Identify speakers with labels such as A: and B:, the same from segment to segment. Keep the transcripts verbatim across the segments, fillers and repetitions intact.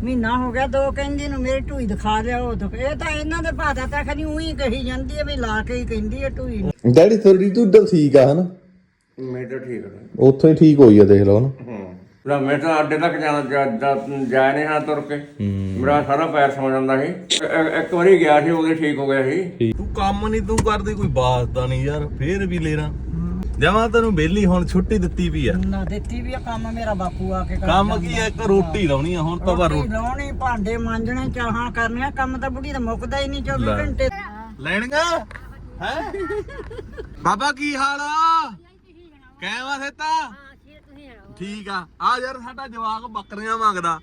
A: ਮਹੀਨਾ ਹੋ ਗਿਆ ਦੋ ਕਹਿੰਦੀ ਨੂੰ ਮੇਰੀ ਢੂਈ ਦਿਖਾ ਲਿਆਓ ਤਾਂ ਇਹ ਤਾਂ ਇਹਨਾਂ ਦੇ ਭਾਦਾ ਤਾਂ ਖਨੀ ਉਹੀ ਕਹੀ ਜਾਂਦੀ ਹੈ ਵੀ ਲਾ ਕੇ ਹੀ ਕਹਿੰਦੀ ਹੈ ਢੂਈ
B: ਡੈਡੀ ਥੋੜੀ ਢੂਡਲ ਠੀਕ ਆ ਹਨਾ
C: ਮੈਂ ਤਾਂ ਠੀਕ ਹੈ
B: ਉੱਥੋਂ ਹੀ ਠੀਕ ਹੋਈ ਆ ਦੇਖ ਲਓ ਨਾ
C: ਹਾਂ ਮੈਂ ਤਾਂ ਅੱਡੇ ਤੱਕ ਜਾਣਾ ਜਾ ਨਹੀਂ ਹਾਂ ਤੁਰ ਕੇ ਮੇਰਾ ਸਾਰਾ ਪੈਰ ਸੌ ਜਾਂਦਾ ਸੀ ਇੱਕ ਵਾਰੀ ਗਿਆ ਸੀ ਉਹਦੇ ਠੀਕ ਹੋ ਗਿਆ ਸੀ
B: ਤੂੰ ਕੰਮ ਨਹੀਂ ਤੂੰ ਕਰਦੀ ਕੋਈ ਬਾਤ ਨਹੀਂ ਯਾਰ ਫੇਰ ਵੀ ਲੈਣਾ ਜਮਾ ਤੈਨੂੰ ਬੇਲੀ ਹੁਣ ਛੁੱਟੀ ਦਿੱਤੀ ਵੀ ਆ
A: ਨਾ ਦਿੱਤੀ ਵੀ ਆ ਕੰਮ ਮੇਰਾ ਬਾਪੂ ਆ ਕੇ
B: ਕੰਮ ਕੀ ਆ ਇੱਕ ਰੋਟੀ ਲਾਉਣੀ ਆ ਹੁਣ ਤਾਂ ਬਾ
A: ਰੋਟੀ ਲਾਉਣੀ ਭਾਂਡੇ ਮਾਂਜਣੇ ਚਾਹਾਂ ਕਰਨੀਆਂ ਕੰਮ ਤਾਂ ਬੁੱਢੀ ਦਾ ਮੁੱਕਦਾ ਹੀ ਨਹੀਂ ਚੌਵੀ ਘੰਟੇ
B: ਲੈਣਗਾ ਹੈ ਬਾਬਾ ਕੀ ਹਾਲ ਆ ਕਹਿਵਾ ਸੇਤਾ ਠੀਕ ਆ ਆ ਯਾਰ ਸਾਡਾ ਜਵਾਕ ਬੱਕਰੀਆਂ ਮੰਗਦਾ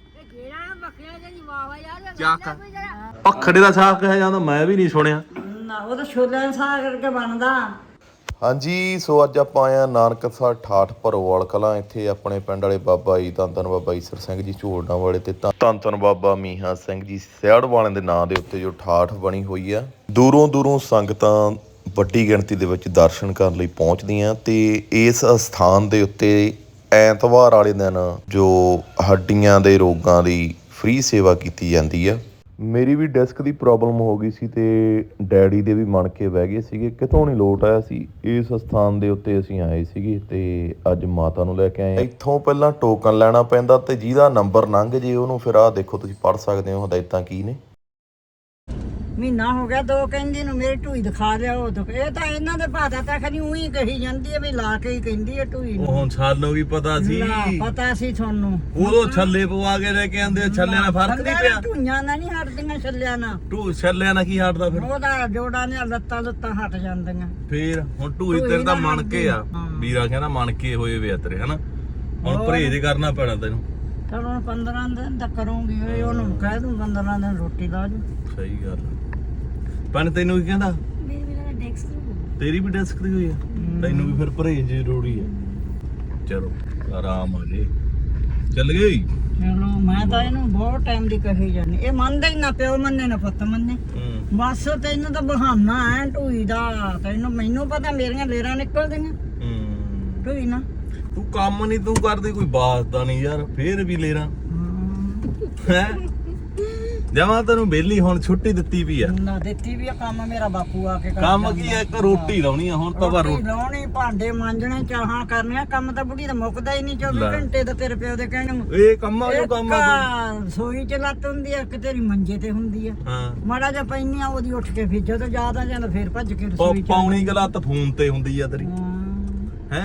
B: ਚੱਕ ਪਖੜੇ ਦਾ ਸਾਗ ਕਿਹਾ ਜਾਂਦਾ ਮੈਂ ਵੀ ਨਹੀਂ ਸੁਣਿਆ
A: ਨਾ ਉਹ ਤਾਂ ਛੋਲਿਆਂ ਦਾ ਸਾਗ ਕਰਕੇ ਬਣਦਾ
B: ਹਾਂਜੀ ਸੋ ਅੱਜ ਆਪਾਂ ਆਏ ਆ ਨਾਨਕਸਰ ਠਾਠ ਭਰੋਵਾਲ ਕਲਾਂ ਇੱਥੇ ਆਪਣੇ ਪਿੰਡ ਵਾਲੇ ਬਾਬਾ ਜੀ ਧੰਨ ਧੰਨ ਬਾਬਾ ਈਸਰ ਸਿੰਘ ਜੀ ਝੋਲਣਾ ਵਾਲੇ ਤੇ ਧੰਨ ਧੰਨ ਬਾਬਾ ਮੀਹਾ ਸਿੰਘ ਜੀ ਸਿਆੜ ਵਾਲਿਆਂ ਦੇ ਨਾਂ ਦੇ ਉੱਤੇ ਜੋ ਠਾਠ ਬਣੀ ਹੋਈ ਆ ਦੂਰੋਂ ਦੂਰੋਂ ਸੰਗਤਾਂ ਵੱਡੀ ਗਿਣਤੀ ਦੇ ਵਿੱਚ ਦਰਸ਼ਨ ਕਰਨ ਲਈ ਪਹੁੰਚਦੀਆਂ ਤੇ ਇਸ ਸਥਾਨ ਦੇ ਉੱਤੇ ਐਤਵਾਰ ਵਾਲੇ ਦਿਨ ਜੋ ਹੱਡੀਆਂ ਦੇ ਰੋਗਾਂ ਦੀ ਫ੍ਰੀ ਸੇਵਾ ਕੀਤੀ ਜਾਂਦੀ ਆ ਮੇਰੀ ਵੀ ਡਿਸਕ ਦੀ ਪ੍ਰੋਬਲਮ ਹੋ ਗਈ ਸੀ ਤੇ ਡੈਡੀ ਦੇ ਵੀ ਮਣ ਕੇ ਬਹਿ ਗਏ ਸੀਗੇ ਕਿਤੋਂ ਨਹੀਂ ਲੋਟ ਆਇਆ ਸੀ ਇਸ ਸਥਾਨ ਦੇ ਉੱਤੇ ਅਸੀਂ ਆਏ ਸੀਗੇ ਤੇ ਅੱਜ ਮਾਤਾ ਨੂੰ ਲੈ ਕੇ ਆਏ ਇੱਥੋਂ ਪਹਿਲਾਂ ਟੋਕਨ ਲੈਣਾ ਪੈਂਦਾ ਤੇ ਜਿਹਦਾ ਨੰਬਰ ਲੰਘ ਜੇ ਉਹਨੂੰ ਫਿਰ ਆਹ ਦੇਖੋ ਤੁਸੀਂ ਪੜ੍ਹ ਸਕਦੇ ਹੋ ਹਦਾਇਤਾਂ ਕੀ ਨੇ
A: ਮਹੀਨਾ ਹੋ ਗਿਆ ਦੋ ਕਹਿੰਦੀ ਨੂੰ ਮੇਰੀ ਢੂਈ ਦਿਖਾ ਲਿਆਓ ਤਾਂ ਇਹ ਤਾਂ ਇਹਨਾਂ ਦੇ ਭਾਦਾ ਤਾਂ ਖਨੀ ਉਹੀ ਕਹੀ ਜਾਂਦੀ ਹੈ ਵੀ ਲਾ ਕੇ ਹੀ ਕਹਿੰਦੀ ਹੈ ਢੂਈ
B: ਉਹ ਹੁਣ ਸਾਨੂੰ ਵੀ ਪਤਾ ਸੀ
A: ਪਤਾ ਸੀ ਤੁਹਾਨੂੰ
B: ਉਦੋਂ ਛੱਲੇ ਪਵਾ ਕੇ ਲੈ ਕੇ ਆਂਦੇ ਛੱਲਿਆਂ ਨਾਲ ਫਰਕ ਨਹੀਂ ਪਿਆ
A: ਢੂਈਆਂ ਨਾਲ ਨਹੀਂ ਹਟਦੀਆਂ ਛੱਲਿਆਂ ਨਾਲ
B: ਢੂ ਛੱਲਿਆਂ ਨਾਲ ਕੀ ਹਟਦਾ ਫਿਰ
A: ਉਹਦਾ ਜੋੜਾਂ ਨੇ ਲੱਤਾਂ ਲੱਤਾਂ ਹਟ ਜਾਂਦੀਆਂ
B: ਫੇਰ ਹੁਣ ਢੂਈ ਤੇਰੇ ਤਾਂ ਮਣ ਕੇ ਆ ਵੀਰਾ ਕਹਿੰਦਾ ਮਣ ਕੇ ਹੋਏ ਵੇ ਤੇਰੇ ਹਨਾ ਹੁਣ ਪਰਹੇਜ਼ ਕਰਨਾ ਪੈਣਾ ਤੈਨੂੰ
A: ਚਲ ਹੁਣ ਪੰਦਰਾਂ ਦਿਨ ਤਾਂ ਕਰੂੰਗੀ ਉਹਨੂੰ ਕਹਿ ਦੂੰ ਪੰਦਰਾਂ ਦਿਨ ਰੋਟੀ ਲਾ ਜੂ
B: ਸਹੀ ਗੱਲ ਪਨ ਤੈਨੂੰ ਕੀ ਕਹਿੰਦਾ ਤੇਰੀ ਵੀ ਡਿਸਕ ਦੀ ਹੋਈ ਆ ਤੈਨੂੰ ਵੀ ਫਿਰ ਪਰਹੇਜ਼ ਜ਼ਰੂਰੀ ਆ ਚਲੋ ਆਰਾਮ ਆ ਜੇ ਚੱਲ ਗਈ
A: ਚਲੋ ਮੈਂ ਤਾਂ ਇਹਨੂੰ ਬਹੁਤ ਟਾਈਮ ਦੀ ਕਹੀ ਜਾਂਦੀ ਇਹ ਮੰਨਦਾ ਹੀ ਨਾ ਪਿਓ ਮੰਨੇ ਨਾ ਪੁੱਤ ਮੰਨੇ ਬਸ ਤੈਨੂੰ ਤਾਂ ਬਹਾਨਾ ਐ ਢੂਈ ਦਾ ਤੈਨੂੰ ਮੈਨੂੰ ਪਤਾ ਮੇਰੀਆਂ ਲੇਰਾਂ ਨਿਕਲਦੀਆਂ ਢੂਈ ਨਾ
B: ਤੂੰ ਕੰਮ ਨਹੀਂ ਤੂੰ ਕਰਦੀ ਕੋਈ ਬਾਤ ਦਾ ਨਹੀਂ ਯਾਰ ਫੇਰ ਵੀ ਲੇਰਾਂ ਹੈ ਜਮਾ ਤੈਨੂੰ ਬੇਲੀ ਹੁਣ ਛੁੱਟੀ ਦਿੱਤੀ ਵੀ ਆ
A: ਨਾ ਦਿੱਤੀ ਵੀ ਆ ਕੰਮ ਮੇਰਾ ਬਾਪੂ ਆ ਕੇ
B: ਕੰਮ ਕੀ ਆ ਇੱਕ ਰੋਟੀ ਲਾਉਣੀ ਆ ਹੁਣ ਤਾਂ ਬਾ
A: ਰੋਟੀ ਲਾਉਣੀ ਭਾਂਡੇ ਮਾਂਜਣੇ ਚਾਹਾਂ ਕਰਨੀਆਂ ਕੰਮ ਤਾਂ ਬੁੱਢੀ ਦਾ ਮੁੱਕਦਾ ਹੀ ਨਹੀਂ ਚੌਵੀ ਘੰਟੇ ਤਾਂ ਤੇਰੇ ਪਿਓ ਦੇ ਕਹਿਣ
B: ਇਹ ਕੰਮਾਂ ਜੋ ਕੰਮ ਆ
A: ਸੋਈ ਚ ਲੱਤ ਹੁੰਦੀ ਆ ਕਿ ਤੇਰੀ ਮੰਜੇ ਤੇ ਹੁੰਦੀ ਆ
B: ਹਾਂ
A: ਮਾੜਾ ਜਿਹਾ ਪੈਣੀ ਆ ਉਹਦੀ ਉੱਠ ਕੇ ਫਿਰ ਜਦੋਂ ਜ਼ਿਆਦਾ ਜਾਂਦਾ ਫਿਰ ਭੱਜ ਕੇ ਰਸੋਈ ਚ
B: ਪੌਣੀ ਗਲਤ ਫੋਨ ਤੇ ਹੁੰਦੀ ਆ ਤੇਰੀ ਹੈ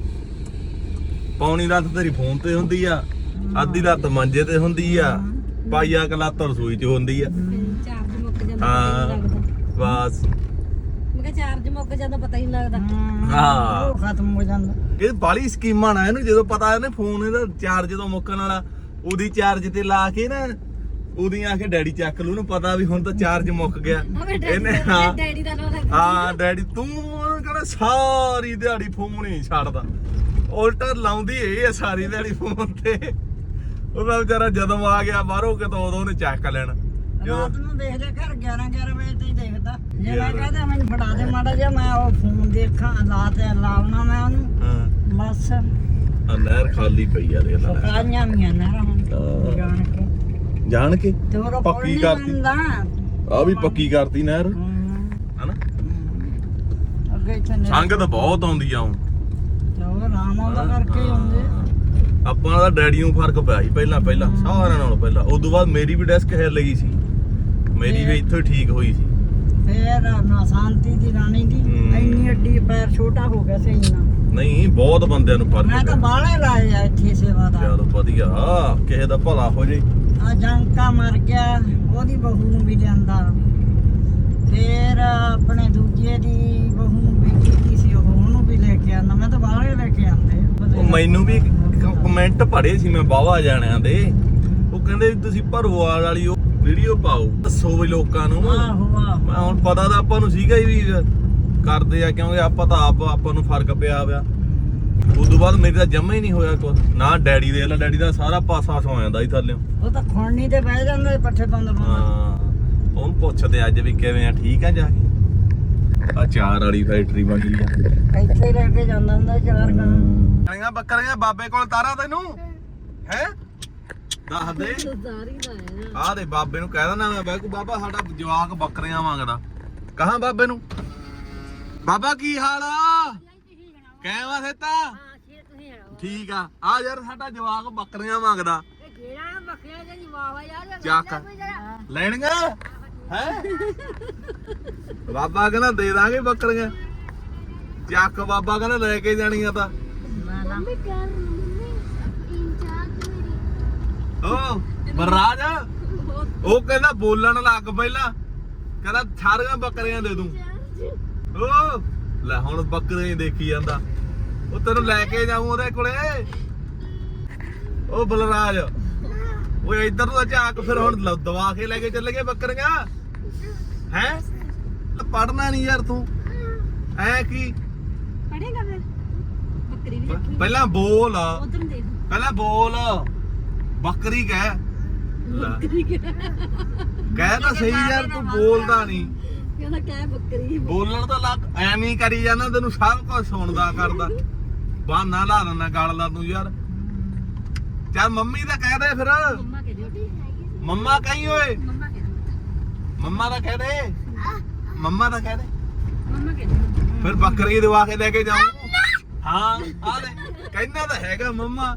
B: ਪੌਣੀ ਲੱਤ ਤੇਰੀ ਫੋਨ ਤੇ ਹੁੰਦੀ ਆ ਅੱਧੀ ਲੱਤ ਮੰਜੇ ਤੇ ਹੁੰਦੀ ਆ ਪਾਈਆ ਕਲਾਤ ਰਸੋਈ ਚ ਹੁੰਦੀ ਆ
D: ਚਾਰਜ ਮੁੱਕ ਜਾਂਦਾ
B: ਹਾਂ ਬਸ
D: ਮੈਂ ਕਿਹਾ ਚਾਰਜ ਮੁੱਕ ਜਾਂਦਾ ਪਤਾ ਹੀ ਨਹੀਂ ਲੱਗਦਾ
B: ਹਾਂ
A: ਉਹ ਖਤਮ ਹੋ ਜਾਂਦਾ
B: ਇਹ ਬਾਲੀ ਸਕੀਮਾਂ ਨਾ ਇਹਨੂੰ ਜਦੋਂ ਪਤਾ ਇਹਨੇ ਫੋਨ ਇਹਦਾ ਚਾਰਜ ਜਦੋਂ ਮੁੱਕਣ ਵਾਲਾ ਉਹਦੀ ਚਾਰਜ ਤੇ ਲਾ ਕੇ ਨਾ ਉਹਦੀ ਆ ਕੇ ਡੈਡੀ ਚੱਕ ਲੂ ਉਹਨੂੰ ਪਤਾ ਵੀ ਹੁਣ ਤਾਂ ਚਾਰਜ ਮੁੱਕ ਗਿਆ ਇਹਨੇ ਹਾਂ
D: ਡੈਡੀ ਦਾ ਨਾਮ ਰੱਖ
B: ਹਾਂ ਡੈਡੀ ਤੂੰ ਕਹਿੰਦਾ ਸਾਰੀ ਦਿਹਾੜੀ ਫੋਨ ਹੀ ਛੱਡਦਾ ਉਲਟਾ ਲਾਉਂਦੀ ਇਹ ਆ ਸਾਰੀ ਦਿਹਾੜੀ ਫੋਨ ਤੇ ਉਹਦਾ ਵਿਚਾਰਾ ਜਦੋਂ ਆ ਗਿਆ ਬਾਹਰੋਂ ਕਿਤੋਂ ਉਦੋਂ ਉਹਨੇ ਚੱਕ ਲੈਣਾ
A: ਰਾਤ ਨੂੰ ਦੇਖ ਲਿਆ ਘਰ ਗਿਆਰਾਂ ਗਿਆਰਾਂ ਵਜੇ ਤੇ ਹੀ ਦੇਖਦਾ ਜੇ ਮੈਂ ਕਹਦਾ ਮੈਨੂੰ ਫੜਾ ਦੇ ਮਾੜਾ ਜਿਹਾ ਮੈਂ ਉਹ ਫੋਨ ਦੇਖਾਂ ਲਾ ਤੇ ਲਾਉਣਾ ਮੈਂ ਉਹਨੂੰ
B: ਹਾਂ
A: ਬਸ
B: ਆ ਨਹਿਰ ਖਾਲੀ ਪਈ ਆ ਦੇਖ ਲੈ
A: ਕਾਈਆਂ ਮੀਆਂ ਨਾ ਹੁਣ ਜਾਣ ਕੇ
B: ਜਾਣ ਕੇ
A: ਤੇ ਉਹ
B: ਪੱਕੀ ਕਰਤੀ ਆ ਵੀ ਪੱਕੀ ਕਰਤੀ ਨਹਿਰ ਹਨਾ
A: ਅੱਗੇ ਇੱਥੇ
B: ਸੰਗਤ ਬਹੁਤ ਆਉਂਦੀ ਆ ਹੁਣ
A: ਤੇ ਉਹ ਆਰਾਮ ਆਉਂਦਾ ਕਰਕੇ ਆਉਂਦੇ
B: ਆਪਾਂ ਦਾ ਡੈਡੀ ਨੂੰ ਫਰਕ ਪਿਆ ਸੀ ਪਹਿਲਾਂ ਪਹਿਲਾਂ ਸਾਰਿਆਂ ਨਾਲੋਂ ਪਹਿਲਾਂ ਉਸ ਤੋਂ ਬਾਅਦ ਮੇਰੀ ਵੀ ਡੈਸਕ ਹਿੱਲ ਗਈ ਸੀ ਮੇਰੀ ਵੀ ਇੱਥੋਂ ਠੀਕ ਹੋਈ ਸੀ
A: ਫੇਰ ਨਾ ਸ਼ਾਂਤੀ ਦੀ ਰਾਣੀ ਦੀ ਇੰਨੀ ਅੱਡੀ ਪੈਰ ਛੋਟਾ ਹੋ ਗਿਆ ਸੀ ਇੰਨਾ
B: ਨਹੀਂ ਬਹੁਤ ਬੰਦਿਆਂ ਨੂੰ ਫਰਕ
A: ਮੈਂ ਤਾਂ ਬਾਹਲੇ ਲਾਏ ਆ ਇੱਥੇ ਸੇਵਾ ਦਾ
B: ਚਲੋ ਵਧੀਆ ਕਿਸੇ ਦਾ ਭਲਾ ਹੋ ਜੇ
A: ਆ ਜੰਕਾ ਮਰ ਗਿਆ ਉਹਦੀ ਬਹੂ ਨੂੰ ਵੀ ਲਿਆਂਦਾ ਫੇਰ ਆਪਣੇ ਦੂਜੇ ਦੀ ਬਹੂ ਨੂੰ ਵੀ ਕੀਤੀ ਸੀ ਉਹਨੂੰ ਵੀ ਲੈ ਕੇ ਆਂਦਾ ਮੈਂ ਤਾਂ ਬਾਹਲੇ ਲੈ ਕੇ ਆਂਦੇ
B: ਮੈਨੂੰ ਵੀ ਕਮੈਂਟ ਪੜ੍ਹੇ ਸੀ ਮੈਂ ਬਾਵਾ ਜਾਣਿਆਂ ਦੇ ਉਹ ਕਹਿੰਦੇ ਵੀ ਤੁਸੀਂ ਭਰੋਵਾਲ ਵਾਲੀ ਉਹ ਵੀਡੀਓ ਪਾਓ ਦੱਸੋ ਵੀ ਲੋਕਾਂ ਨੂੰ
A: ਆਹੋ ਆਹੋ
B: ਮੈਂ ਹੁਣ ਪਤਾ ਤਾਂ ਆਪਾਂ ਨੂੰ ਸੀਗਾ ਹੀ ਵੀ ਕਰਦੇ ਆ ਕਿਉਂਕਿ ਆਪਾਂ ਤਾਂ ਆਪ ਆਪਾਂ ਨੂੰ ਫਰਕ ਪਿਆ ਪਿਆ ਉਸ ਤੋਂ ਬਾਅਦ ਮੇਰੀ ਤਾਂ ਜੰਮਾ ਹੀ ਨਹੀਂ ਹੋਇਆ ਕੁਛ ਨਾ ਡੈਡੀ ਦੇ ਲਾ ਡੈਡੀ ਦਾ ਸਾਰਾ ਪਾਸਾ ਸੌ ਜਾਂਦਾ ਸੀ ਥੱਲੇ
A: ਉਹ ਤਾਂ ਖੋਣੀ ਤੇ ਬਹਿ ਜਾਂਦਾ ਪੱਠੇ ਪਾਉਂਦਾ ਪਾਉਂਦਾ
B: ਹਾਂ ਉਹਨੂੰ ਪੁੱਛਦੇ ਅੱਜ ਵੀ ਕਿਵੇਂ ਆ ਠੀਕ ਆ ਜਾ ਕੇ ਆ ਚਾਰ ਵਾਲੀ ਫੈਕਟਰੀ ਬਣੀ ਆ
A: ਇੱਥੇ ਰਹਿ ਕੇ ਜਾਂਦਾ ਹੁੰਦਾ ਚਾਰ ਗਾਂ
B: ਬੱਕਰੀਆਂ ਬੱਕਰੀਆਂ ਬਾਬੇ ਕੋਲ ਤਾਰਾ ਤੈਨੂੰ ਹੈ ਦੱਸ ਦੇ
D: ਸਾਰੀ ਦਾ ਹੈ
B: ਆਹ ਦੇ ਬਾਬੇ ਨੂੰ ਕਹਿ ਦਿੰਦਾ ਮੈਂ ਬੈਕੂ ਬਾਬਾ ਸਾਡਾ ਜਵਾਕ ਬੱਕਰੀਆਂ ਮੰਗਦਾ ਕਹਾਂ ਬਾਬੇ ਨੂੰ ਬਾਬਾ ਕੀ ਹਾਲ ਆ ਕਹਿਵਾ ਸੇਤਾ
D: ਹਾਂ ਸ਼ੇਰ ਤੁਸੀਂ ਹੈ
B: ਠੀਕ ਆ ਆ ਯਾਰ ਸਾਡਾ ਜਵਾਕ ਬੱਕਰੀਆਂ ਮੰਗਦਾ
D: ਇਹ ਕਿਹੜਾ ਬੱਕਰੀਆਂ ਦੀ ਵਾਵਾ ਯਾਰ
B: ਚੱਕ ਲੈਣਗਾ ਹੈ ਬਾਬਾ ਕਹਿੰਦਾ ਦੇ ਦਾਂਗੇ ਬੱਕਰੀਆਂ ਚੱਕ ਬਾਬਾ ਕਹਿੰਦਾ ਲੈ ਕੇ ਜਾਣੀਆਂ ਤਾਂ
D: ਮੰਮੀ ਕਰ ਮੰਮੀ ਇੰਚਾਰਜ ਮੇਰੀ
B: ਓ ਬਰਾਜ ਉਹ ਕਹਿੰਦਾ ਬੋਲਣ ਲੱਗ ਪਹਿਲਾਂ ਕਹਿੰਦਾ ਸਾਰੀਆਂ ਬੱਕਰੀਆਂ ਦੇ ਦੂੰ ਓ ਲੈ ਹੁਣ ਬੱਕਰੀਆਂ ਹੀ ਦੇਖੀ ਜਾਂਦਾ ਉਹ ਤੈਨੂੰ ਲੈ ਕੇ ਜਾਊਂ ਉਹਦੇ ਕੋਲੇ ਉਹ ਬਲਰਾਜ ਓਏ ਇੱਧਰ ਨੂੰ ਝਾਕ ਫਿਰ ਹੁਣ ਲ- ਦਵਾ ਕੇ ਲੈ ਕੇ ਚੱਲ ਗਏ ਬੱਕਰੀਆਂ ਹੈ ਪੜਨਾ ਨਹੀਂ ਯਾਰ ਤੂੰ ਐ ਕੀ
D: ਪੜੇਗਾ ਫਿਰ ਬੱਕਰੀ ਵੀ ਰੱਖੀ
B: ਪਹਿਲਾਂ ਬੋਲ
D: ਉਧਰ ਦੇਖ
B: ਪਹਿਲਾਂ ਬੋਲ ਬੱਕਰੀ ਕਹਿ ਲੈ,
D: ਬੱਕਰੀ ਕਿਹੜਾ
B: ਕਹਿ ਤਾਂ ਸਹੀ ਯਾਰ ਤੂੰ ਬੋਲਦਾ ਨਹੀਂ
D: ਕਹਿੰਦਾ ਕਹਿ ਬੱਕਰੀ
B: ਬੋਲਣ ਤਾਂ ਲੱਗ ਐਵੇਂ ਹੀ ਕਰੀ ਜਾਂਦਾ ਤੈਨੂੰ ਸਭ ਕੁਝ ਸੁਣਦਾ ਕਰਦਾ ਬਹਾਨਾ ਲਾ ਦਿੰਦਾ ਗੱਲ ਦਾ ਤੂੰ ਯਾਰ ਚੱਲ ਮੰਮੀ ਤਾਂ ਕਹਿ ਦੇ ਫਿਰ
D: ਮੰਮਾ ਕਹਿ ਦਿਓ
B: ਮੰਮਾ ਕਹੀਂ ਓਏ
D: ਮੰਮਾ ਕਹਿ ਦਿਓ
B: ਮੰਮਾ ਦਾ ਕਹਿ ਦੇ ਮੰਮਾ ਦਾ ਕਹਿ ਦੇ
D: ਮੰਮਾ ਕਹਿ ਦਿਓ
B: ਫਿਰ ਬੱਕਰੀ ਦਵਾ ਕੇ ਲੈ ਕੇ ਜਾਊਂ ਹਾਂ ਆ ਲੈ ਕਹਿੰਦਾ ਤਾਂ ਹੈਗਾ ਮੰਮਾ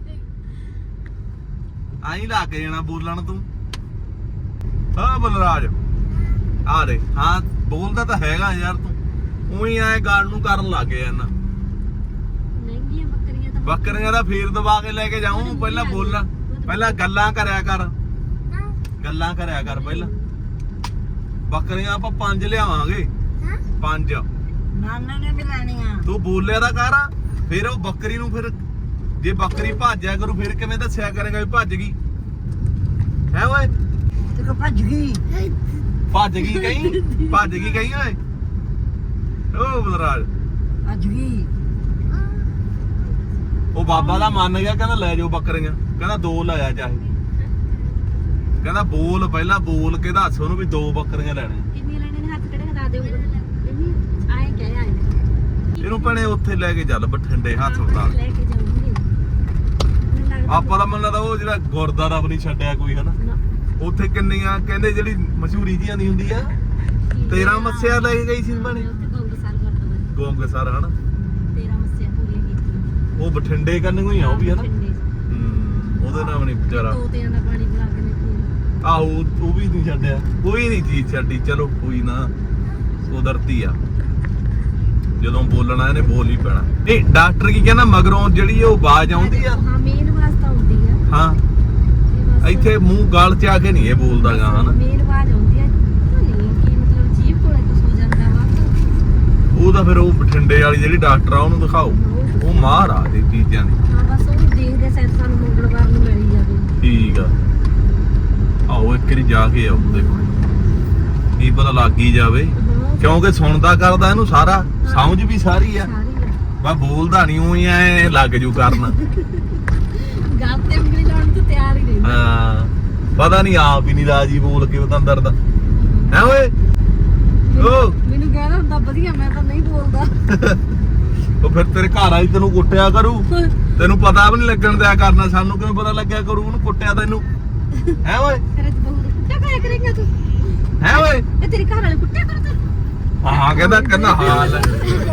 B: ਆਈ ਲੱਗ ਜਾਣਾ ਬੋਲਣ ਤੂੰ ਹਾਂ ਬਲਰਾਜ ਆ ਦੇ ਹਾਂ ਬੋਲਦਾ ਤਾਂ ਹੈਗਾ ਯਾਰ ਤੂੰ ਉਹੀ ਐ ਗੱਲ ਨੂੰ ਕਰਨ ਲੱਗ ਗਿਆ ਨਾ
D: ਮਹਿੰਗੀਆਂ ਬੱਕਰੀਆਂ ਤਾਂ
B: ਬੱਕਰੀਆਂ ਦਾ ਫੇਰ ਦਵਾ ਕੇ ਲੈ ਕੇ ਜਾਊਂ ਪਹਿਲਾਂ ਬੋਲਾਂ ਪਹਿਲਾਂ ਗੱਲਾਂ ਕਰਿਆ ਕਰ ਗੱਲਾਂ ਕਰਿਆ ਕਰ ਪਹਿਲਾਂ ਬੱਕਰੀਆਂ ਆਪਾਂ ਪੰਜ ਲਿਆਵਾਂਗੇ ਪੰਜ
A: ਨਾਨਾ ਨੇ ਵੀ ਲੈਣੀਆਂ
B: ਤੂੰ ਬੋਲਿਆ ਤਾਂ ਕਰ ਫਿਰ ਉਹ ਬੱਕਰੀ ਨੂੰ ਫਿਰ ਜੇ ਬੱਕਰੀ ਭੱਜਿਆ ਕਰੂ ਫਿਰ ਕਿਵੇਂ ਦੱਸਿਆ ਕਰੇਗਾ ਵੀ ਭੱਜ ਗਈ ਹੈ ਓਏ
A: ਤੇ ਕੋ ਭੱਜ ਗਈ
B: ਭੱਜ ਗਈ ਕਹੀਂ ਭੱਜ ਗਈ ਕਹੀਂ ਓਏ ਓ ਬਲਰਾਜ
A: ਭੱਜ ਗਈ
B: ਉਹ ਬਾਬਾ ਦਾ ਮੰਨ ਗਿਆ ਕਹਿੰਦਾ ਲੈ ਜਾਓ ਬੱਕਰੀਆਂ ਕਹਿੰਦਾ ਦੋ ਲਾਇਆ ਚਾਹੇ ਕਹਿੰਦਾ ਬੋਲ ਪਹਿਲਾਂ ਬੋਲ ਕੇ ਦੱਸ ਉਹਨੂੰ ਵੀ ਦੋ ਬੱਕਰੀਆਂ ਲੈਣੀਆਂ
D: ਕਿੰਨੀ ਲੈਣੇ ਨੇ ਹੱਥ ਕਿਹੜੇ ਲਾ ਦਿਓ ਆਏ ਕਹਿ ਆਏ
B: ਇਹਨੂੰ ਭੈਣੇ ਉੱਥੇ ਲੈ ਕੇ ਚੱਲ ਬਠਿੰਡੇ ਹਸਪਤਾਲ
D: ਲੈ ਕੇ ਜਾਊਂਗੀ ਮੈਨੂੰ ਲੱਗਦਾ
B: ਆਪਾਂ ਦਾ ਮੰਨ ਲੱਗਦਾ ਉਹ ਜਿਹੜਾ ਗੁਰਦਾਰਾ ਵੀ ਨਹੀਂ ਛੱਡਿਆ ਕੋਈ ਹਨਾ
D: ਨਾ,
B: ਉੱਥੇ ਕਿੰਨੀਆਂ ਕਹਿੰਦੇ ਜਿਹੜੀ ਮਸ਼ਹੂਰੀ ਜੀਆਂ ਦੀ ਹੁੰਦੀ ਆ ਤੇਰਾਂ ਮੱਸਿਆ ਲੈ ਕੇ ਗਈ ਸੀ ਭੈਣੇ
D: ਉੱਥੇ ਗੰਗ ਸਾਲ ਕਰਦਾ
B: ਗੋਂਗ ਸਰ ਹਨਾ
D: ਤੇਰਾ ਮੱਸਿਆ ਪੂਰੀਆਂ ਕੀਤੀਆਂ
B: ਉਹ ਬਠਿੰਡੇ ਕੰਨੂ ਹੀ ਆ ਉਹ ਵੀ ਹਨਾ
D: ਬਠਿੰਡੇ 'ਚ।
B: ਹੂੰ, ਉਹਦੇ ਨਾਲ ਵੀ ਨਹੀਂ ਵਿਚਾਰਾ
D: ਤੋਤਿਆਂ ਦਾ ਪਾਣੀ ਪਿਲਾ ਕੇ ਨੇ ਪੀਣਾ।
B: ਆਹੋ ਉਹ ਵੀ ਨਹੀਂ ਛੱਡਿਆ ਕੋਈ ਨਹੀਂ ਚੀਜ਼ ਛੱਡੀ ਚਲੋ ਕੋਈ ਨਾ ਕੁਦਰਤੀ ਆ ਜਦੋਂ ਬੋਲਣਾ ਇਹਨੇ ਬੋਲ ਹੀ ਪੈਣਾ ਇਹ ਡਾਕਟਰ ਕੀ ਕਹਿੰਦਾ ਮਗਰੋਂ ਜਿਹੜੀ ਉਹ ਆਵਾਜ਼ ਆਉਂਦੀ ਆ
D: ਹਾਂ ਮੇਨ ਆਵਾਜ਼ ਤਾਂ ਆਉਂਦੀ ਆ
B: ਹਾਂ
D: ਇਹ ਬਸ
B: ਇੱਥੇ ਮੂੰਹ ਗਲ ਚ ਆ ਕੇ ਨਹੀਂ ਇਹ ਬੋਲਦਾ ਗਾ ਹਨਾ
D: ਮੇਨ ਆਵਾਜ਼ ਆਉਂਦੀ ਆ ਪਤਾ ਨਹੀਂ ਕੀ ਮਤਲਬ ਜੀਭ ਕੋਲੇ ਕੁਝ ਹੋ ਜਾਂਦਾ ਵਾ
B: ਉਹ ਤਾਂ ਫਿਰ ਉਹ ਬਠਿੰਡੇ ਵਾਲੀ ਜਿਹੜੀ ਡਾਕਟਰ ਆ ਉਹਨੂੰ ਦਿਖਾਓ ਉਹ ਮਾਹਰ ਆ ਇਹ ਚੀਜ਼ਾਂ ਦੀ
D: ਹਾਂ ਬਸ ਉਹ ਦੇਖਦੇ ਸੈਰ ਸਾਨੂੰ ਮੰਗਲਵਾਰ ਨੂੰ ਮਿਲ ਹੀ ਜਾਵੇ
B: ਠੀਕ ਆ ਆਓ ਇੱਕ ਵਾਰੀ ਜਾ ਕੇ ਆਓ ਉਹਦੇ ਕੋਲ ਕੀ ਪਤਾ ਲੱਗ ਹੀ ਜਾਵੇ
D: ਹਾਂ
B: ਕਿਉਂਕਿ ਸੁਣਦਾ ਕਰਦਾ ਇਹਨੂੰ ਸਾਰਾ ਸਮਝ ਵੀ ਸਾਰੀ ਆ
D: ਸਾਰੀ ਆ
B: ਬਾ ਬੋਲਦਾ ਨਹੀਂ ਉਹੀ ਐ ਲੱਗ ਜੂ ਕਰਨ
D: ਗੱਲ ਤੇ ਉਂਗਲੀ ਲਾਉਣ ਤੋਂ ਤਿਆਰ ਹੀ ਰਹਿੰਦਾ
B: ਹਾਂ ਪਤਾ ਨਹੀਂ ਆਪ ਹੀ ਨਹੀਂ ਰਾਜੀ ਬੋਲ ਕੇ ਬਤੰਦਰ ਦਾ ਹੈ ਓਏ ਓ
D: ਮੈਨੂੰ ਕਹਿੰਦਾ ਹੁੰਦਾ ਵਧੀਆ ਮੈਂ ਤਾਂ ਨਹੀਂ ਬੋਲਦਾ
B: ਉਹ ਫਿਰ ਤੇਰੇ ਘਰ ਆਈ ਤੈਨੂੰ ਕੁੱਟਿਆ ਕਰੂ ਤੈਨੂੰ ਪਤਾ ਵੀ ਨਹੀਂ ਲੱਗਣ ਦਿਆ ਕਰਨਾ ਸਾਨੂੰ ਕਿਵੇਂ ਪਤਾ ਲੱਗਿਆ ਕਰੂ ਉਹਨੂੰ ਕੁੱਟਿਆ ਤੈਨੂੰ ਹੈ ਓਏ
D: ਤੇਰੇ ਚ ਬਹੁਤ ਕੁੱਟਿਆ ਖਾਇਆ ਕਰੇਗਾ ਤੂੰ
B: ਹੈ ਓਏ
D: ਇਹ ਤੇਰੇ ਘਰ ਵਾਲੇ ਕੁੱਟਿਆ ਕਰਦੇ
B: ਹਾਂ ਕਹਿੰਦਾ ਕਹਿੰਦਾ ਹਾਂ ਲੈ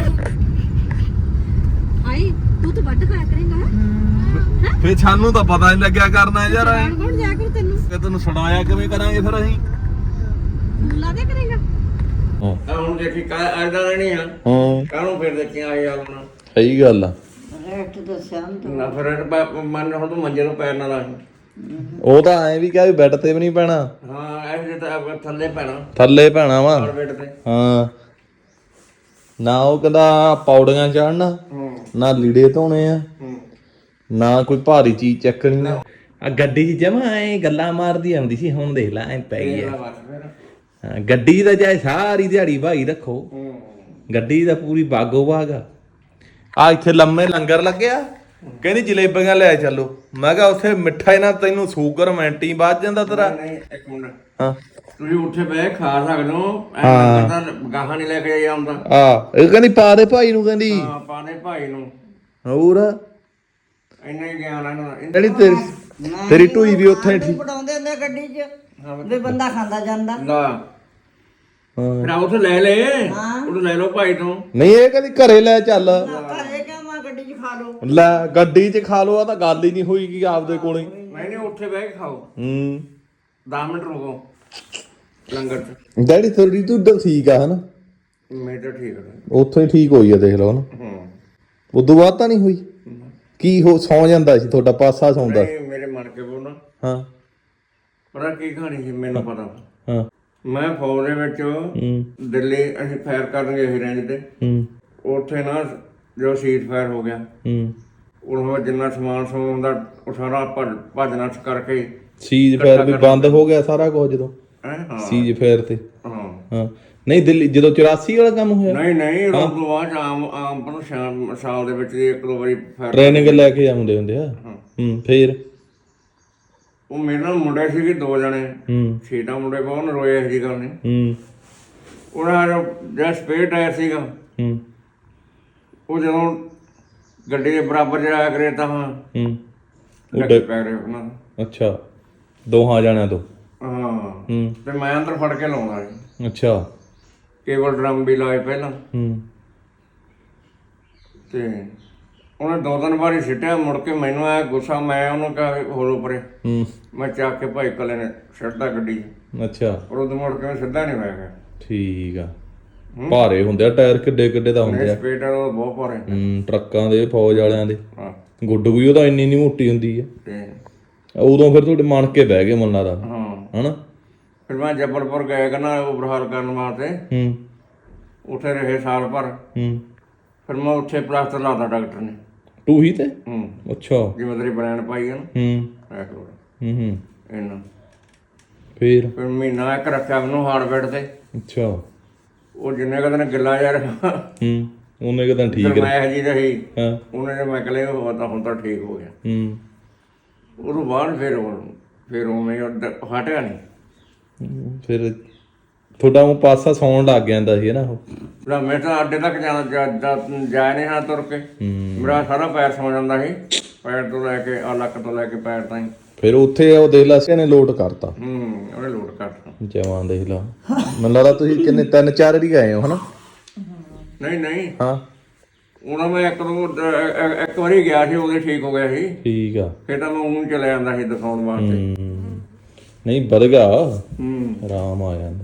D: ਆਈ ਤੂੰ ਤਾਂ ਵੱਢ ਖਾਇਆ ਕਰੇਗਾ ਹੈ
B: ਫੇ ਸਾਨੂੰ ਤਾਂ ਪਤਾ ਨਹੀਂ ਲੱਗਿਆ ਕਰਨਾ ਯਾਰ ਐਂ।
D: ਕੌਣ ਜਾ ਕਰ ਤੈਨੂੰ
B: ਕਿ ਤੈਨੂੰ ਸੁਣਾਇਆ ਕਿਵੇਂ ਕਰਾਂਗੇ ਫਿਰ ਅਸੀਂ
D: ਲਾ ਦੇ ਕਰੇਗਾ
C: ਤਾਂ ਹੁਣ ਦੇਖੀ ਕਾ ਐਦਾਂ ਨਹੀਂ ਆ
B: ਹਾਂ
C: ਕਾਹਨੂੰ ਫਿਰ ਦੇਖੀਆਂ ਆਈ ਹਾਲ ਹੁਣ
B: ਸਹੀ ਗੱਲ ਆ
A: ਰੇਟ ਦੱਸਿਆ ਨੀ
C: ਨਾ ਫਿਰ ਇਹ ਪ- ਮੰਨ ਹੁਣ ਤੂੰ ਮੰਜੇ ਤੋਂ ਪੈਰ ਨਾ ਲਾ
B: ਉਹ ਤਾਂ ਐਂ ਵੀ ਕਿਹਾ ਵੀ ਬੈੱਡ ਤੇ ਵੀ ਨਹੀਂ ਪੈਣਾ
C: ਹਾਂ ਇਹ ਜੇ ਤਾਂ ਥੱਲੇ ਪੈਣਾ
B: ਥੱਲੇ ਪੈਣਾ ਵਾ
C: ਕਾਰਪੇਟ ਤੇ
B: ਹਾਂ ਨਾ ਉਹ ਕਹਿੰਦਾ ਪੌੜੀਆਂ ਚੜਨਾ
C: ਹੂੰ
B: ਨਾ ਲੀੜੇ ਧੋਣੇ ਆ
C: ਹੂੰ
B: ਨਾ ਕੋਈ ਭਾਰੀ ਚੀਜ਼ ਚੱਕਣੀ ਆ ਆ ਗੱਡੀ 'ਚ ਜਮਾ ਐ ਗੱਲਾਂ ਮਾਰਦੀ ਆਉਂਦੀ ਸੀ ਹੁਣ ਦੇਖ ਲੈ ਐ ਪੈ ਗਈ
C: ਇਹ
B: ਆ
C: ਬਸ ਫਿਰ
B: ਹਾਂ, ਗੱਡੀ ਦਾ ਚਾਹੇ ਸਾਰੀ ਦਿਹਾੜੀ ਭਾਈ ਰੱਖੋ
C: ਹੂੰ
B: ਗੱਡੀ ਦਾ ਪੂਰੀ ਬਾਗੋ ਬਾਗ ਆ ਆ ਇੱਥੇ ਲੰਮੇ ਲੰਗਰ ਲੱਗਿਆ ਕਹਿੰਦੀ ਜਲੇਬੀਆਂ ਲੈ ਚੱਲੋ ਮੈਂ ਕਿਹਾ ਉੱਥੇ ਮਿੱਠਾ ਇਹਨਾਂ ਤੈਨੂੰ ਸ਼ੂਗਰ ਮੈਂਟੀ ਵੱਜ ਜਾਂਦਾ ਤੇਰਾ
C: ਨਹੀਂ ਇੱਕ ਮਿੰਟ
B: ਹਾਂ
C: ਤੁਸੀਂ ਉੱਥੇ ਬਹਿ ਖਾ ਸਕਦੇ ਹੋ
B: ਹਾਂ।
C: ਐਂ ਤਾਂ ਗਾਹਾਂ ਨਹੀਂ ਲੈ ਕੇ ਆਉਂਦਾ
B: ਆ ਇਹ ਕਹਿੰਦੀ ਪਾ ਦੇ ਭਾਈ ਨੂੰ ਕਹਿੰਦੀ
C: ਹਾਂ ਪਾਣੇ ਭਾਈ ਨੂੰ
B: ਹੋਰ
C: ਇੰਨਾ ਹੀ ਗਿਆਨ ਆ ਇਹਨਾਂ ਦਾ
B: ਜਿਹੜੀ ਤੇਰੀ ਤੇਰੀ ਢੂਈ ਵੀ ਉੱਥੇ ਹੀ ਠੀਕ
A: ਪੜਾਉਂਦੇ ਹੁੰਦੇ ਗੱਡੀ 'ਚ ਵੀ ਬੰਦਾ ਖਾਂਦਾ ਜਾਂਦਾ।
C: ਲਾ
B: ਹਾਂ
C: ਫਿਰ ਉੱਥੇ ਲੈ ਲੈ ਉਹ ਲੈ ਲਓ ਭਾਈ ਤੋਂ।
B: ਨਹੀਂ ਇਹ ਕਦੀ ਘਰੇ ਲੈ ਚੱਲ
A: ਘਰੇ ਕਿਹਾ ਮੈਂ ਗੱਡੀ 'ਚ ਖਾ ਲਓ।
B: ਲੈ ਗੱਡੀ 'ਚ ਖਾ ਲੋ ਆ ਤਾਂ ਗੱਲ ਹੀ ਨਹੀਂ ਹੋਈ ਕਿ ਆਪਦੇ ਕੋਲੇ
C: ਨਹੀਂ ਨਹੀਂ ਉੱਥੇ ਬਹਿ ਕੇ ਖਾਓ।
B: ਹੂੰ
C: ਦਸ ਮਿੰਟ ਰੁਕੋ ਲੰਗਰ ਚ।
B: ਡੈਡੀ ਥੋੜੀ ਤੂੰ ਠੀਕ ਆ ਹਨਾ
C: ਮੈਂ ਤਾਂ ਠੀਕ ਹੈ।
B: ਉੱਥੋਂ ਹੀ ਠੀਕ ਹੋਈ ਆ ਦੇਖ ਲਓ ਨਾ
C: ਹੂੰ
B: ਉਦੋਂ ਬਾਅਦ ਤਾਂ ਨਹੀਂ ਹੋਈ ਕੀ ਹੋ ਸੌਂ ਜਾਂਦਾ ਸੀ ਤੁਹਾਡਾ ਪਾਸਾ ਸੌਂਦਾ
C: ਨਹੀਂ ਮੇਰੇ ਮਨ ਕੇ ਬੋਲਣਾ
B: ਹਾਂ
C: ਪਤਾ ਕੀ ਕਹਾਣੀ ਸੀ ਮੈਨੂੰ ਪਤਾ।
B: ਹਾਂ
C: ਮੈਂ ਫੌਜ ਦੇ ਵਿੱਚ
B: ਹੂੰ
C: ਦਿੱਲੀ ਅਸੀਂ ਫਾਇਰ ਕਰਨ ਗਏ ਸੀ ਰੇਂਜ ਤੇ।
B: ਹੂੰ
C: ਉੱਥੇ ਨਾ ਜੋ ਸੀਜ਼ ਫਾਇਰ ਹੋ ਗਿਆ
B: ਹੂੰ
C: ਉਹ ਜਿੰਨਾ ਸਮਾਨ ਸਮੂਨ ਹੁੰਦਾ ਉਹ ਸਾਰਾ ਭੱਜ ਭੱਜ ਨੱਠ ਕਰਕੇ
B: ਸੀਜ ਫੇਰ ਵੀ ਬੰਦ ਹੋ ਗਿਆ ਸਾਰਾ ਕੁਝ ਜਦੋਂ
C: ਹੈਂ, ਹਾਂ
B: ਸੀਜ ਫੇਰ ਤੇ
C: ਹਾਂ
B: ਹਾਂ ਨਹੀਂ ਦਿੱਲੀ ਜਦੋਂ ਚੁਰਾਸੀ ਵਾਲਾ ਕੰਮ ਹੋਇਆ
C: ਨਹੀਂ ਨਹੀਂ ਉਹ ਤੋਂ ਬਾਅਦ ਆਮ ਆਮ ਪਰ ਸ਼ਾਮ ਸਾਲ ਦੇ ਵਿੱਚ ਇੱਕ ਦੋ ਵਾਰੀ ਫਾਇਰ
B: ਟ੍ਰੇਨਿੰਗ ਲੈ ਕੇ ਆਉਂਦੇ ਹੁੰਦੇ ਆ ਹੂੰ ਫੇਰ
C: ਉਹ ਮੇਰੇ ਨਾਲ ਮੁੰਡੇ ਸੀਗੇ ਦੋ ਜਣੇ
B: ਹੂੰ
C: ਛੇਟਾ ਮੁੰਡੇ ਬਹੁਤ ਨਰੋਏ ਇਹੋ ਜਿਹੀ ਗੱਲ ਨਹੀਂ।
B: ਹੂੰ
C: ਉਹਨਾਂ ਦਾ ਜਿਹੜਾ ਸਪੇਅਰ ਟਾਇਰ ਸੀਗਾ
B: ਹੂੰ
C: ਉਹ ਜਦੋਂ ਗੱਡੀ ਦੇ ਬਰਾਬਰ ਜਾਇਆ ਕਰੇ ਤਾਂ ਹਾਂ
B: ਹੂੰ
C: ਲੱਗੇ ਪੈ ਰਹੇ ਉਹਨਾਂ ਦਾ।
B: ਅੱਛਾ ਦੋਹਾਂ ਜਾਣਿਆਂ ਤੋਂ
C: ਹਾਂ
B: ਹੂੰ
C: ਤੇ ਮੈਂ ਅੰਦਰ ਫੜ ਕੇ ਲਾਉਂਦਾ ਸੀ
B: ਅੱਛਾ
C: ਕੇਬਲ ਡਰਮ ਵੀ ਲਾਏ ਪਹਿਲਾਂ
B: ਹੂੰ
C: ਤੇ ਉਹਨੇ ਦੋ ਤਿੰਨ ਵਾਰੀ ਸਿੱਟਿਆ ਮੁੜ ਕੇ ਮੈਨੂੰ ਆਇਆ ਗੁੱਸਾ ਮੈਂ ਉਹਨੂੰ ਕਿਹਾ ਹੋਰ ਉੱਪਰੇ
B: ਹੂੰ
C: ਮੈਂ ਚੱਕ ਕੇ ਭਾਈ ਕੱਲੇ ਨੇ ਸਿੱਟਦਾ ਗੱਡੀ 'ਚ।
B: ਅੱਛਾ
C: ਪਰ ਉਦੋਂ ਮੁੜ ਕੇ ਮੈਂ ਸਿੱਧਾ ਨਹੀਂ ਹੋਇਆ ਗਿਆ।
B: ਠੀਕ ਆ ਭਾਰੇ ਹੁੰਦੇ ਆ ਟਾਇਰ ਕਿੱਡੇ ਕਿੱਡੇ ਦਾ ਹੁੰਦੇ ਆ
C: ਸਪੀਡ ਉਹ ਬਹੁਤ ਭਾਰੇ
B: ਹੂੰ ਟਰੱਕਾਂ ਦੇ ਫੌਜ ਵਾਲਿਆਂ ਦੇ
C: ਹਾਂ
B: ਗੁੱਡ ਵੀ ਉਹਦਾ ਇੰਨੀ ਨਹੀਂ ਮੋਟੀ ਹੁੰਦੀ ਆ
C: ਤੇ
B: ਉਦੋਂ ਫਿਰ ਤੁਹਾਡੇ ਮਣ ਕੇ ਬਹਿ ਗਏ ਮਨ ਲੱਗਦਾ
C: ਹਾਂ
B: ਹਨਾ
C: ਫਿਰ ਮੈਂ ਜਬਲਪੁਰ ਗਿਆ ਕਰਨਾ ਓਵਰਹਾਲ ਕਰਨ ਵਾਸਤੇ।
B: ਹੂੰ
C: ਉੱਥੇ ਰਹੇ ਸਾਲ ਭਰ।
B: ਹੂੰ
C: ਫਿਰ ਮੈਂ ਉੱਥੇ ਪਲਾਸਟਰ ਲਾਤਾ ਡਾਕਟਰ ਨੇ।
B: ਟੂ ਹੀ ਤੇ
C: ਹੂੰ
B: ਅੱਛਾ
C: ਜਿਵੇਂ ਤੇਰੀ ਬਰੈਂਡ ਪਾਈ ਹੈ ਨਾ
B: ਹੂੰ
C: ਇਹ ਕਰੋ
B: ਹੂੰ ਹੂੰ
C: ਇਹਨਾਂ
B: ਫੇਰ
C: ਫਿਰ ਮਹੀਨਾ ਇੱਕ ਰੱਖਿਆ ਮੈਨੂੰ ਹਾਰਡਵੇਅਰ ਤੇ।
B: ਅੱਛਾ
C: ਉਹ ਜਿੰਨੇ ਕਦੇ ਗਿੱਲਾ ਯਾਰ
B: ਹੂੰ ਉਹਨੇ ਕਹਿੰਦਾ ਠੀਕ ਹੈ
C: ਮੈਂ ਜੀ ਰਹੀ
B: ਹਾਂ
C: ਉਹਨੇ ਜੇ ਮੈਂ ਕਲੇ ਉਹ ਤਾਂ ਹੁਣ ਤਾਂ ਠੀਕ ਹੋ ਗਿਆ।
B: ਹੂੰ
C: ਉਦੋਂ ਬਾਅਦ ਫਿਰ ਉਹ ਫਿਰ ਉਵੇਂ ਉਹ ਹਟਿਆ ਨਹੀਂ।
B: ਹੂੰ, ਫਿਰ ਤੁਹਾਡਾ ਉਹ ਪਾਸਾ ਸੌਣ ਲੱਗ ਜਾਂਦਾ ਸੀ ਨਾ ਉਹ
C: ਨਾ ਮੈਂ ਤਾਂ ਅੱਡੇ ਤੱਕ ਜਾਣਾ ਜਾ ਨਹੀਂ ਹਾਂ ਤੁਰ ਕੇ। ਮੇਰਾ ਸਾਰਾ ਪੈਰ ਸੌ ਜਾਂਦਾ ਸੀ ਪੈਰ ਤੋਂ ਲੈ ਕੇ ਆ ਲੱਕ ਤੋਂ ਲੈ ਕੇ ਪੈਰ ਤਾਈਂ।
B: ਫਿਰ ਉੱਥੇ ਉਹ ਦੇਖ ਲਾ ਸੀ ਨੇ ਲੋਡ ਕਰਤਾ
C: ਹੂੰ ਉਹਨੇ ਲੋਡ ਕਰਤਾ।
B: ਜਵਾਂ ਦੇਖ ਲਾ ਮੈਨੂੰ ਲੱਗਦਾ ਤੁਸੀਂ ਕਿੰਨੇ ਤਿੰਨ ਚਾਰ ਵਾਰੀ ਗਏ ਹੋ ਹਨਾ
C: ਨਹੀਂ ਨਹੀਂ
B: ਹਾਂ
C: ਉਹਨਾਂ ਮੈਂ ਇੱਕ ਦੋ ਇੱਕ ਵਾਰੀ ਗਿਆ ਸੀ ਉਹਦੇ ਠੀਕ ਹੋ ਗਿਆ ਸੀ।
B: ਠੀਕ ਆ
C: ਫਿਰ ਤਾਂ ਮੈਂ ਉਹਨੂੰ ਚਲੇ ਜਾਂਦਾ ਸੀ ਦਿਖਾਉਣ ਵਾਸਤੇ।
B: ਹੂੰ ਨਹੀਂ ਵਧ ਗਿਆ
C: ਹੂੰ
B: ਆਰਾਮ ਆ ਜਾਂਦਾ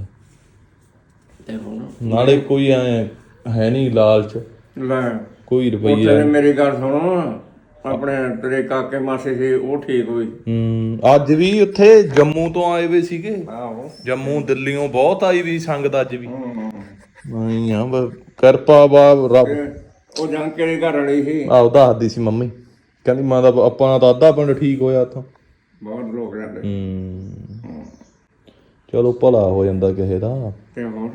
C: ਤੇ ਹੁਣ
B: ਨਾਲੇ ਕੋਈ ਐ ਹੈ ਨਹੀਂ ਲਾਲਚ
C: ਲੈ
B: ਕੋਈ ਰੁਪਈਆ
C: ਉੱਥੇ ਮੇਰੀ ਗੱਲ ਸੁਣੋ ਆਪਣੇ ਤੇਰੇ ਕਾਕੇ ਮਾਸੀ ਸੀ ਉਹ ਠੀਕ ਹੋਈ।
B: ਹੂੰ ਅੱਜ ਵੀ ਉੱਥੇ ਜੰਮੂ ਤੋਂ ਆਏ ਵੇ ਸੀਗੇ
C: ਆਹੋ
B: ਜੰਮੂ ਦਿੱਲੀੋਂ ਬਹੁਤ ਆਈ ਵੀ ਸੰਗਤ ਅੱਜ ਵੀ ਨਹੀਂ ਆ ਬ- ਕਿਰਪਾ ਬਾ ਰੱਬ
C: ਉਹ ਜੰਕੇ ਦੇ ਘਰ ਵਾਲੀ ਸੀ।
B: ਆਹ ਦੱਸਦੀ ਸੀ ਮੰਮੀ ਕਹਿੰਦੀ ਮਾਂ ਦਾ ਆਪਾਂ ਦਾ ਅੱਧਾ ਪਿੰਡ ਠੀਕ ਹੋਇਆ ਉੱਥੋਂ
C: ਬਹੁਤ ਲੋਕ ਰਹਿੰਦੇ
B: ਹੂੰ ਚਲੋ ਭਲਾ ਹੋ ਜਾਂਦਾ ਕਿਸੇ ਦਾ
C: ਤੇ ਹੋਰ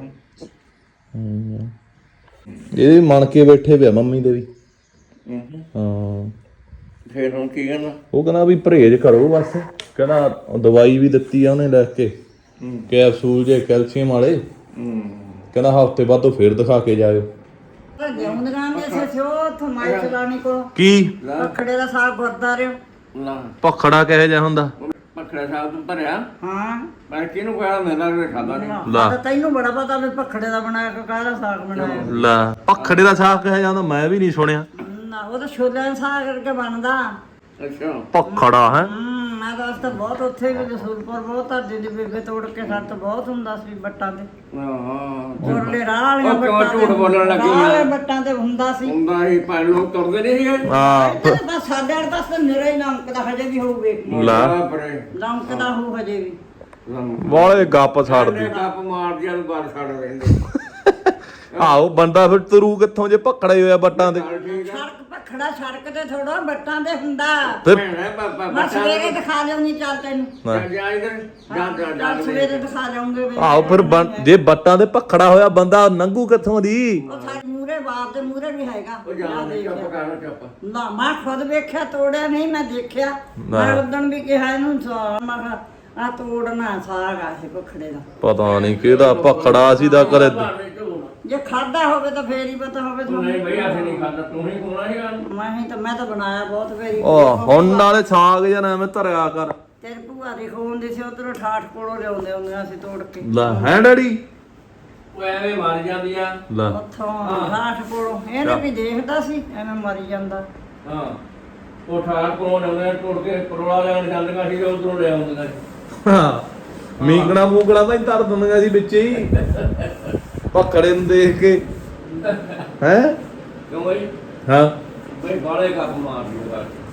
B: ਹੂੰ ਇਹ ਵੀ ਮਣ ਕੇ ਬੈਠੇ ਪਿਆ ਮੰਮੀ ਦੇ ਵੀ
C: ਹੂੰ।
B: ਹਾਂ
C: ਫਿਰ ਹੁਣ ਕੀ ਕਹਿੰਦਾ?
B: ਉਹ ਕਹਿੰਦਾ ਵੀ ਪਰਹੇਜ਼ ਕਰੋ ਬਸ ਕਹਿੰਦਾ ਦਵਾਈ ਵੀ ਦਿੱਤੀ ਆ ਉਹਨੇ ਲੈ ਕੇ ਕੈਪਸੂਲ ਜੇ ਕੈਲਸ਼ੀਅਮ ਵਾਲੇ
C: ਹੂੰ
B: ਕਹਿੰਦਾ ਹਫ਼ਤੇ ਬਾਅਦ ਤੋਂ ਫੇਰ ਦਿਖਾ ਕੇ ਜਾਇਓ
A: ਜਿਉਂਦਗਾਂ ਦੇ ਸੇ ਉਹ ਥਮਾਈ ਚਲਾਣੀ ਕੋ
B: ਕੀ
A: ਪਖੜੇ ਦਾ ਸਾਗ ਗੁਰਦਾਰੇ
C: ਲਾ
B: ਭਖੜਾ ਕਿਹੋ ਜਿਹਾ ਹੁੰਦਾ
C: ਪਖੜਾ ਸਾਹਿਬ ਤੋਂ ਧਰਿਆ
A: ਹਾਂ
C: ਮੈਂ ਕਿਹਨੂੰ ਕਿਹਾ ਮੈਂ ਤਾਂ ਖਾਦਾ ਨਹੀਂ।
B: ਲਾ
A: ਤਾਂ ਤੈਨੂੰ ਬੜਾ ਪਤਾ ਵੀ ਪਖੜੇ ਦਾ ਬਣਾਇਆ ਕਿ ਕਾਹਦਾ ਸਾਗ ਬਣਾਇਆ।
B: ਲੈ ਭਖੜੇ ਦਾ ਸਾਗ ਕਿਹੋ ਜਿਹਾ ਹੁੰਦਾ ਮੈਂ ਵੀ ਨਹੀਂ ਸੁਣਿਆ
A: ਨਾ ਉਹ ਤਾਂ ਛੋਲਿਆਂ ਦਾ ਸਾਗ ਕਰਕੇ ਬਣਦਾ।
C: ਅੱਛਾ
B: ਭਖੜਾ ਹੈ
A: ਹੂੰ ਮੈਂ ਤਾਂ ਉਸ ਤਾਂ ਬਹੁਤ ਉੱਥੇ ਵੀ ਰਸੂਲਪੁਰ ਬਹੁਤ ਧਰਦੀ ਦੀ ਬੇਬੇ ਤੋੜ ਕੇ ਸੱਤ ਬਹੁਤ ਹੁੰਦਾ ਸੀ ਬੱਟਾਂ ਤੇ
C: ਹਾਂ
A: ਉਰਲੇ ਰਾਹ ਵਾਲੀਆਂ
C: ਉਹ ਕਿਉਂ
A: ਬੱਟਾਂ
C: ਝੂਠ ਬੋਲਣ ਲੱਗੀ
A: ਰਾਹ ਵਾਲੇ
C: ਆ?
A: ਬੱਟਾਂ ਤੇ ਹੁੰਦਾ ਸੀ।
C: ਹੁੰਦਾ ਹੀ ਪੰਜ ਲੋਕ ਤੁਰਦੇ ਨਹੀਂ ਸੀਗੇ।
B: ਹਾਂ
A: ਇੱਥੇ ਤਾਂ ਬਸ ਸਾਡੇ ਵਾਲੇ ਪਾਸੇ ਨਿਰਾ ਹੀ ਲੰਕਦਾ ਹਜੇ ਵੀ ਹੋਊ ਵੇਖ ਲਈ।
B: ਲੈ
C: ਪਰੇ
A: ਲੰਕਦਾ ਹੋਊ ਹਜੇ ਵੀ।
B: ਵਾਲੇ ਗੱਪ ਛੱਡਦੀ
C: ਗੱਪ ਮਾਰ ਦਿਆ ਬਾਹਰ ਛੱਡ ਰਹਿੰਦੇ।
B: ਆਹੋ ਬੰਦਾ ਫਿਰ ਤਰੂ ਕਿੱਥੋਂ ਜੇ ਭਖੜਾ ਹੀ ਹੋਇਆ ਬੱਟਾਂ ਤੇ
C: ਠੀਕ ਆ
A: ਸੜਕ ਭਖੜਾ ਸੜਕ ਤੇ ਥੋੜਾ ਬੱਟਾਂ ਤੇ ਹੁੰਦਾ।
B: ਫਿਰ
C: ਭੈਣਾ ਬਾਬਾ
A: ਮੈਂ ਸਵੇਰੇ ਦਿਖਾ ਲਿਆਉਂਗੀ ਚੱਲ ਤੈਨੂੰ।
C: ਜਾ ਇਧਰ ਜਾ ਜਾ ਜਾ
A: ਚੱਲ ਸਵੇਰੇ ਦਿਖਾ ਲਿਆਉਂਗੇ ਵੇ।
B: ਆਹੋ ਫਿਰ ਬੰ- ਜੇ ਬੱਟਾਂ ਦੇ ਭਖੜਾ ਹੋਇਆ ਬੰਦਾ ਨੰਗੂ ਕਿੱਥੋਂ ਦੀ
A: ਉਹ ਸਾਡੇ ਮੂਰੇ ਬਾਪ ਦੇ ਮੂਰੇ ਵੀ ਹੈਗਾ।
C: ਉਹ ਜਾ ਚੁੱਪ ਕਰ ਚੁੱਪ।
A: ਨਾ ਮੈਂ ਖੁਦ ਵੇਖਿਆ ਤੋੜਿਆ ਨਹੀਂ ਮੈਂ ਦੇਖਿਆ। ਮੈਂ ਉਦੋਂ ਵੀ ਕਿਹਾ ਇਹਨੂੰ ਸਾ- ਮੈਂ ਕਿਹਾ ਆ ਤੋੜਨਾ ਸਾਗ ਆ ਇਹ ਭਖੜੇ ਦਾ।
B: ਪਤਾ ਨਹੀਂ ਕਿਹਦਾ ਭਖੜਾ ਸੀ ਦਾ ਕਰੇ
A: ਜੇ ਖਾਦਾ ਹੋਵੇ ਤਾਂ ਫੇਰ ਹੀ ਪਤਾ ਹੋਵੇ
C: ਤੂੰ ਨਹੀਂ ਬਈ ਅਸੀਂ ਨਹੀਂ ਖਾਂਦਾ ਤੂੰ ਹੀ ਕੋਣਾ ਹੀ ਗੱਲ
A: ਮੈਂ ਹੀ ਤਾਂ ਮੈਂ ਤਾਂ ਬਣਾਇਆ ਬਹੁਤ ਫੇਰੀ
B: ਉਹ ਹੁਣ ਨਾਲੇ ਸਾਗ ਜਾਂ ਐਵੇਂ ਧਰਿਆ ਕਰ
A: ਤੇਰੀ ਭੂਆ ਦੀ ਖੂਨ ਦੀ ਸੀ ਉਧਰੋਂ ਠਾਠ ਕੋਲੋਂ ਲਿਆਉਂਦੇ ਹੁੰਦੇ ਅਸੀਂ ਤੋੜ ਕੇ
B: ਲੈ ਹੈ ਡੈਡੀ
C: ਉਹ ਐਵੇਂ ਮਰ ਜਾਂਦੀ ਆ
B: ਲੈ
A: ਉੱਥੋਂ ਠਾਠ ਕੋਲੋਂ ਇਹਨੇ ਵੀ ਦੇਖਦਾ ਸੀ ਐਵੇਂ ਮਰੀ ਜਾਂਦਾ
C: ਹਾਂ ਉਹ ਠਾਰ ਕੋਲ ਆਉਂਦੇ ਟੁੱਟ ਕੇ ਪਰੋਲਾ ਲੈਣ ਜਾਂਦੀਆਂ ਸੀ ਉਧਰੋਂ ਲੈ ਆਉਂਦੀਆਂ ਸੀ
B: ਹਾਂ ਮੀਂਗਣਾ ਮੂੰਗਣਾ ਤਾਂ ਹੀ ਧਰ ਦਿੰਦੀਆਂ ਸੀ ਵਿੱਚ ਹੀ ਪਕੜੇ ਨੂੰ ਦੇਖ ਕੇ ਹੈ
C: ਕਿਉਂ ਬਈ
B: ਹਾਂ
C: ਬਈ ਬਾਲੇ ਕੱਪ ਮਾਰ ਦਿਓ